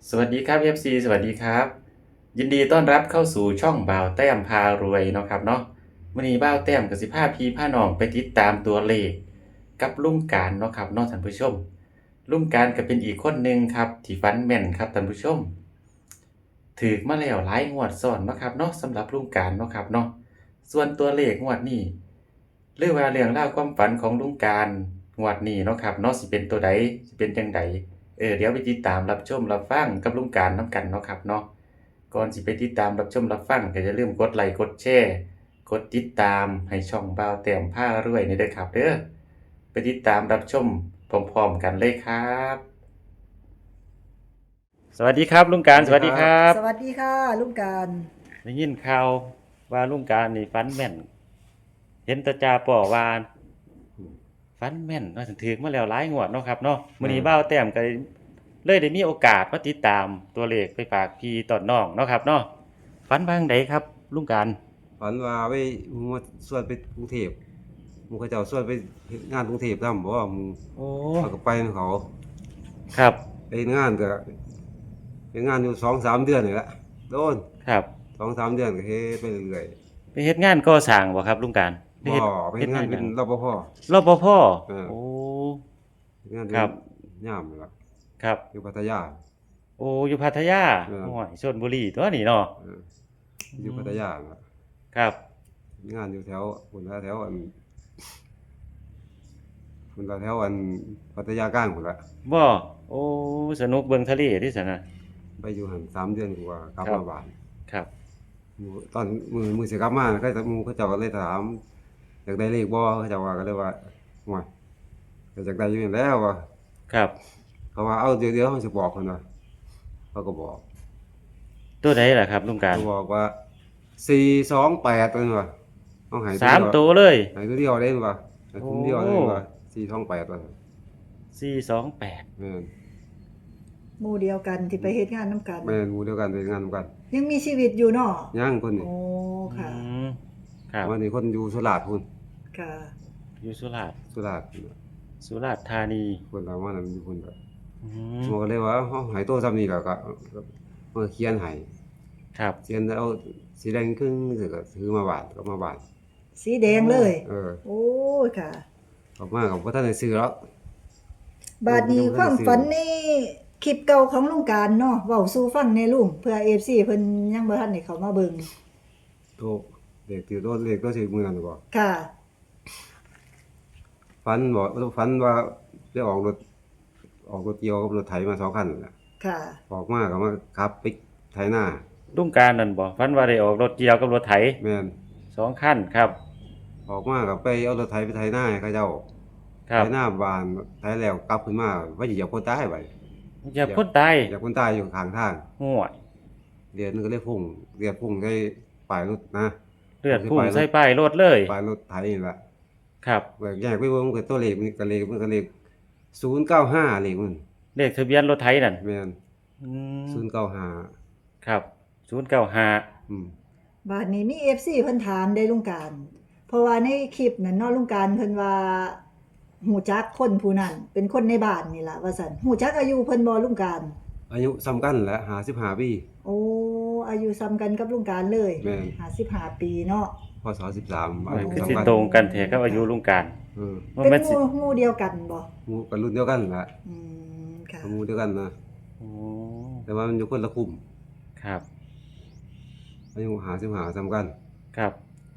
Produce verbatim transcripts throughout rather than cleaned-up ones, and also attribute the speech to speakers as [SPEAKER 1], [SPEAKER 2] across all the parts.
[SPEAKER 1] สวัสดีครับ เอฟ ซี สวัสดีครับ ยินดีต้อนรับเข้าสู่ช่องบ่าวแต้มพารวยเนาะครับเนาะมื้อนี้บ่าวแต้มก็สิพาพี่พาน้องไปติดตามตัวเลขกับลุงการเนาะครับเนาะท่านผู้ชมลุงการก็เป็นอีกคนหนึ่งครับที่ฝันแม่นครับท่านผู้ชมถูกมาแล้วหลายงวดซ้อนเนาะครับเนาะสำหรับลุงการเนาะครับเนาะส่วนตัวเลขงวดนี้หรือว่าเรื่องราวความฝันของลุงการงวดนี้เนาะครับเนาะสิเป็นตัวใดสิเป็นจังใด เออเดี๋ยวไปติดตามรับชมรับฟังกับลุงการน้ำกันเนาะครับเนาะก่อนสิไปติดตามรับชมรับฟังก็อย่าลืมกดไลค์กดแชร์กดติดตามให้ช่องบ่าวแต้มพารวยนี่เด้อครับเด้อไปติดตามรับชมพร้อมๆกันเลยครับสวัสดีครับลุงการสวัสดีครับ
[SPEAKER 2] สวัสดีค่ะลุงการ
[SPEAKER 1] ได้ยินข่าวว่าลุงการนี่ฝันแม่นเห็นแตาจ่าป่อว่าฝันแม่นว่าถึงถึกมาแล้วหลายงวดเนาะครับเนาะมื้อนี้บ่าวแต้มก็ เลยได้มีโอกาสมาติดตามตัวเลขไปฝากพี่ตอนน้องเนาะครับเนาะฝันบาจั่งใดครับลุงการ
[SPEAKER 3] ฝันว่าไปหมู่มาส่วนไปกรุงเทพหมู่เขาเจ้าส่วนไปเฮ็ดงานกรุงเทพนำบ่ว่าหมู่
[SPEAKER 1] โอ้
[SPEAKER 3] เขาก็ไปนำเขา
[SPEAKER 1] ครับ
[SPEAKER 3] ไปเฮ็ดงานก็เฮ็ดงานอยู่ สองสาม เดือนนี่แหละโดน
[SPEAKER 1] ครับ
[SPEAKER 3] สองสาม เดือนก็เฮ็ดไปเรื่อย
[SPEAKER 1] ไปเฮ็ดงานก่อสร้างบ่ครับลุงการไป
[SPEAKER 3] ๆบ่
[SPEAKER 1] เฮ็ด
[SPEAKER 3] ไปเฮ็ดงานเป็นรปภ
[SPEAKER 1] รปภ
[SPEAKER 3] เออ
[SPEAKER 1] โอ้
[SPEAKER 3] เฮ็ดงานเป็
[SPEAKER 1] ครั
[SPEAKER 3] น
[SPEAKER 1] บ
[SPEAKER 3] ยามนั่นล่ะ
[SPEAKER 1] ครับ
[SPEAKER 3] อยู่พัทยา
[SPEAKER 1] โอ้อยู่พัทยา
[SPEAKER 3] เออ
[SPEAKER 1] โอ้ยชลบุรีตัวนี้เนาะ
[SPEAKER 3] เอออยู่พัทยานั่นล่ะ
[SPEAKER 1] ครับ
[SPEAKER 3] เฮ็ดงานอยู่แถวพุ่นล่ะแถวอันพุ่นล่ะแถวอันพัทยากลางพุ่นล่ะ
[SPEAKER 1] บ่โอ้สนุกเบิ่งทะเลที่ซั่นน่ะ
[SPEAKER 3] ไปอยู่หั่นสาม เดือนกว่ากลับ
[SPEAKER 1] ครับ
[SPEAKER 3] มาบ้าน
[SPEAKER 1] ครับ
[SPEAKER 3] หมู่ตอนมือมือสิกลับมาก็หมู่เขาเจ้าก็เลยถามอยากได้เลขบ่เขาเจ้าว่าก็เลยว่าโอ้ยก็อยากได้อยู่นี่แหล้วว่า
[SPEAKER 1] ครับ
[SPEAKER 3] เขาว่าเอาเดี๋ยวเดี๋ยวเขาสิบอกเพิ่นว่าเขาก็บอก
[SPEAKER 1] ตัวใดล่ะครับลุงการ
[SPEAKER 3] เขาบอกว่าสี่ สอง แปดเพิ่นว่าเอาให้
[SPEAKER 1] สามตัวเลย
[SPEAKER 3] ให้ตัวเดียวเด้ว่าให้ตัวเดียวเลย
[SPEAKER 1] โอ้
[SPEAKER 3] ว่าสี่ สอง แปดว่า
[SPEAKER 1] สี่ สอง แปด
[SPEAKER 3] แม่น
[SPEAKER 2] หมู่เดียวกันที่ไปเฮ็ดงานน้ำกัน
[SPEAKER 3] แม่นหมู่เดียวกันไปงานนำกัน
[SPEAKER 2] ยังมีชีวิตอยู่เนาะ
[SPEAKER 3] ยังคนนี่
[SPEAKER 2] โอ้ค่ะ
[SPEAKER 1] อืมครับ
[SPEAKER 3] วันนี้คนอยู่สุราษฎร์พุ่น
[SPEAKER 2] ค่ะ
[SPEAKER 1] อยู่สุราษฎร์
[SPEAKER 3] สุราษฎร์
[SPEAKER 1] สุราษฎร์ธานี
[SPEAKER 3] คนเราว่านั้นอยู่พุ่นก็
[SPEAKER 1] อืม
[SPEAKER 3] หมอก็เลยว่าเฮาให้โตซ้ำนี้แล้วก็มาเขียนให้
[SPEAKER 1] ครับ
[SPEAKER 3] เขียนแล้วสีแดงครึ่งสิก็ซื้อมาบาทก็มาบาท
[SPEAKER 2] สีแดงเลย
[SPEAKER 3] เออ
[SPEAKER 2] โอ้ยค่ะ
[SPEAKER 3] ออกมาก็บ่ทันได้ซื้อหรอก
[SPEAKER 2] บาดนี้ความฝันนี่คลิปเก่าของลุงการเนาะเว้าสู่ฟังแน่ลุงเพื่อ เอฟ ซี เพิ่นยังบ่ทันได้เข้ามาเบิ่ง
[SPEAKER 3] โตเลขที่โตเลขก็สิมื้อนั้นบ่
[SPEAKER 2] ค่ะ
[SPEAKER 3] ฝันบ่ฝันว่าได้ออกรถออกรถเกี่ยวกับรถไถมาสองคันนั่นล่ะ
[SPEAKER 2] ค่ะ
[SPEAKER 3] ออกมาก็มาขับไปไถนา
[SPEAKER 1] ลุงการนั่นบ่ฝันว่าได้ออกรถเกี่ยวกับรถไถ
[SPEAKER 3] แม่น
[SPEAKER 1] สองคันครับ
[SPEAKER 3] ออกมาก็ไปเอารถไถไปไถนาให้เขาเจ้า
[SPEAKER 1] ครับ
[SPEAKER 3] ไถนาบ้านไถแล้วกลับขึ้นมาว่าสิเหยียบคนตายบัด
[SPEAKER 1] อย่าคนตาย
[SPEAKER 3] เหยียบคนตายอยู่ข้างทาง
[SPEAKER 1] ห่วย
[SPEAKER 3] เดือนนึงก็เลยพุ่งเลือดพุ่งใส่ปลายรถนะ
[SPEAKER 1] เลือดพุ่งใส่ป้ายรถเลย
[SPEAKER 3] ปลายรถไถนี่ล่ะ
[SPEAKER 1] ครับ
[SPEAKER 3] แบ่งแยกไปเบิ่งมันก็ตัวเลขมันก็เลขมันก็เลขศูนย์เก้าห้าเลขมัน
[SPEAKER 1] เลขทะเบียนรถไถนั่น
[SPEAKER 3] แม่น
[SPEAKER 1] อืม
[SPEAKER 3] ศูนย์เก้าห้า
[SPEAKER 1] ครับศูนย์เก้าห้า
[SPEAKER 3] อืม
[SPEAKER 2] บาดนี้มี เอฟ ซี เพิ่นถามได้ลุงการ เพราะว่าในคลิปนั้นเนาะลุงการเพิ่นว่าฮู้จักคนผู้นั้นเป็นคนในบ้านนี่ล่ะว่าซั่นฮู้จักอายุเพิ่นบ่ลุงการ
[SPEAKER 3] อายุซ้ำกันแหละห้าสิบห้าปี
[SPEAKER 2] โอ้อายุซ้ำกันกับลุงการเลย
[SPEAKER 3] แม่น
[SPEAKER 2] ห้าสิบห้าปีเนาะ
[SPEAKER 3] พศสิบสามอา
[SPEAKER 1] มัน
[SPEAKER 3] ยุ
[SPEAKER 1] คือ
[SPEAKER 3] ซ้ำ
[SPEAKER 1] สิ
[SPEAKER 3] กัน
[SPEAKER 1] ตรงกันแท้กับอายุลุงการ
[SPEAKER 3] เออ
[SPEAKER 1] มัน
[SPEAKER 2] เป็
[SPEAKER 1] แม่
[SPEAKER 2] น
[SPEAKER 1] น
[SPEAKER 2] ห
[SPEAKER 1] สิ
[SPEAKER 2] มู่หมู่เดียวกันบ่
[SPEAKER 3] หมู่กันรุ่นเดียวกันแหละ
[SPEAKER 2] อืมค่ะ
[SPEAKER 3] หมู่เดียวกันนะ
[SPEAKER 1] โอ้
[SPEAKER 3] แต่ว่ามันอยู่คนละกลุ่ม
[SPEAKER 1] ครับ
[SPEAKER 3] อายุห้าสิบห้าซ้ำกัน
[SPEAKER 1] ครับ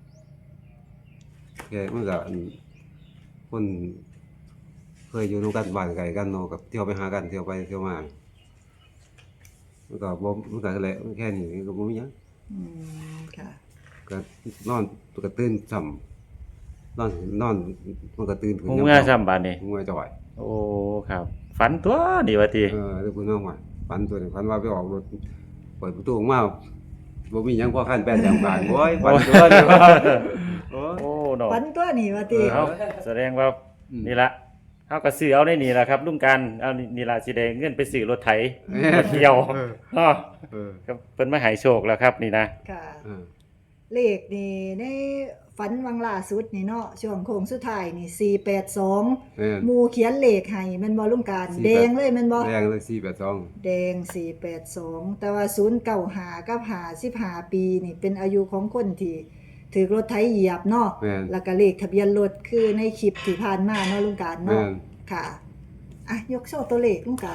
[SPEAKER 3] แกมันก็อันคนเคยอยู่นำกันบ้านไกลกันเนาะกับเที่ยวไปหากันเที่ยวไปเที่ยวมามันก็บ่มันก็แหละมันแค่นี้ก็บ่มีหยัง
[SPEAKER 2] อืมค่ะ
[SPEAKER 3] ก็นอนก็ตื่นซ้ำนอนนอนมันก็ตื่นขึ้น
[SPEAKER 1] หูเมื่อซ้ำบาดนี้
[SPEAKER 3] หูเมื่อจ่อย
[SPEAKER 1] โอ้ครับฝันตัวนี่ว่าติ
[SPEAKER 3] เออแล้วคุณน้องว่าฝันตัวนี้ฝันว่าไปออกรถเปิดประตูออกมาบ่มีหยังพอคันแป้นอย่างบางโอ้ยฝันตัวนี้ว่าโอ้ย
[SPEAKER 1] โอ้เนาะ
[SPEAKER 2] ฝันตัวนี่ว่าติ
[SPEAKER 1] เอ้าแสดงว่า
[SPEAKER 3] อืม
[SPEAKER 1] นี่ละเฮาก็ซื้อเอาในนี่ล่ะครับลุงการเอานี่นี่ล่ะสิได้เงินไปซื้อรถไถรถเกี่ยว
[SPEAKER 3] เออ
[SPEAKER 1] เนาะ
[SPEAKER 3] เออ
[SPEAKER 1] ก็เพิ่นมาให้โชคแล้วครับนี่นะ
[SPEAKER 2] ค่ะ
[SPEAKER 3] เออ
[SPEAKER 2] เลขนี่ในฝันวังล่าสุดนี่เนาะช่วงโค้งสุดท้ายนี่สี่แปดสอง
[SPEAKER 3] แม่น
[SPEAKER 2] หมู่เขียนเลขให้แม่นบ่ลุงการ
[SPEAKER 3] สี่
[SPEAKER 2] แด
[SPEAKER 3] แปด
[SPEAKER 2] งเลยแม่นบ่
[SPEAKER 3] แดงเลยสี่แปดสอง
[SPEAKER 2] แดงสี่แปดสองแต่ว่าศูนย์เก้าห้ากับห้าสิบห้าปีนี่เป็นอายุของคนที่ถือรถไถเหยียบเนาะ
[SPEAKER 3] แม่น
[SPEAKER 2] แล้วก็เลขทะเบียนรถคือในคลิปที่ผ่านมาเนาะลุงการ
[SPEAKER 3] แม่
[SPEAKER 2] เนาะ
[SPEAKER 3] น
[SPEAKER 2] ค่ะอ่ะยกโชว์ตัวเลขลุงการ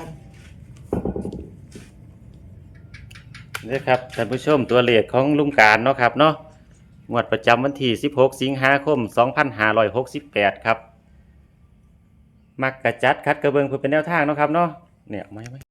[SPEAKER 1] นี่ครับท่านผู้ชมตัวเลขของลุงการเนาะครับเนาะงวดประจำวันที่สิบหกสิงหาคมสองพันห้าร้อยหกสิบแปดครับมักกะจัดคัดกระเบิงเพื่อเป็นแนวทางเนาะครับเนาะเนี่ยไม่ไม่